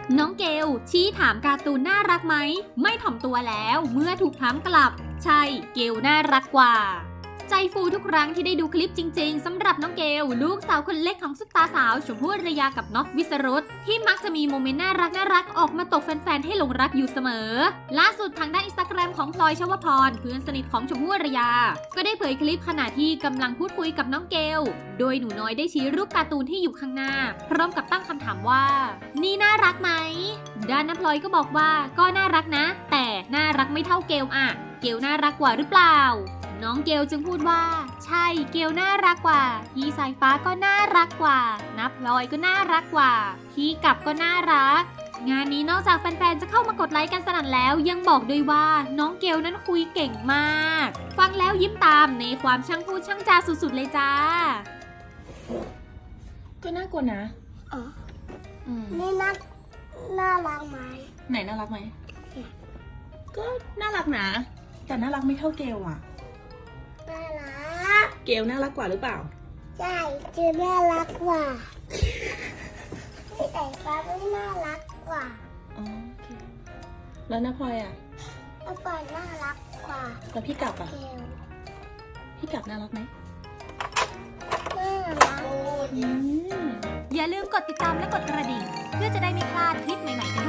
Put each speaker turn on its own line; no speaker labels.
น้องเกลชี้ถามการ์ตูนน่ารักไหมไม่ถ่อมตัวแล้วเมื่อถูกถามกลับใช่เกลน่ารักกว่าใจฟูทุกครั้งที่ได้ดูคลิปจริงๆสำหรับน้องเกลลูกสาวคนเล็กของซุปตาสาวชมพู่อารยากับน็อตวิสรุตที่มักจะมีโมเมนต์น่ารักออกมาตกแฟนๆให้หลงรักอยู่เสมอล่าสุดทางด้านอินสตาแกรมของพลอยชวพรเพื่อนสนิทของชมพู่อารยาก็ได้เผยคลิปขณะที่กำลังพูดคุยกับน้องเกลโดยหนูน้อยได้ชี้รูปการ์ตูนที่อยู่ข้างหน้าพร้อมกับตั้งคำถามว่านี่น่ารักไหมด้านน้าพลอยก็บอกว่าก็น่ารักนะแต่น่ารักไม่เท่าเกลอะเกลน่ารักกว่าหรือเปล่าน้องเกลจึงพูดว่าใช่เกลน่ารักกว่าพี่สายฟ้าก็น่ารักกว่านับพลอยก็น่ารักกว่าพี่กับก็น่ารักงานนี้นอกจากแฟนๆจะเข้ามากดไลค์กันสนั่นแล้วยังบอกด้วยว่าน้องเกลนั้นคุยเก่งมากฟังแล้วยิ้มตามในความช่างพูดช่างจาสุดๆเลยจ้า
ก็น่ากลัวนะ
อ๋อนี่น่ารักไหม
ไหนน่ารักไหม ก็น่ารักนะ แต่น่ารักไม่เท่าเกลอะ
น่ารัก
เกลน่ารักกว่าหรือเปล่า
ใช่คือน่ารักกว่าพี่แต่ฟ้าไม่น่ารักกว่า
อ๋อโอเค แล้วน้าพลอยอะ
แล้วปอยน่ารักกว่า
แล้วพี่กลับอะ
เกล
พี่กลับน่ารักไหม
น่ารัก
อย่าลืมกดติดตามและกดกระดิ่งเพื่อจะได้ไม่พลาดคลิปใหม่ๆกัน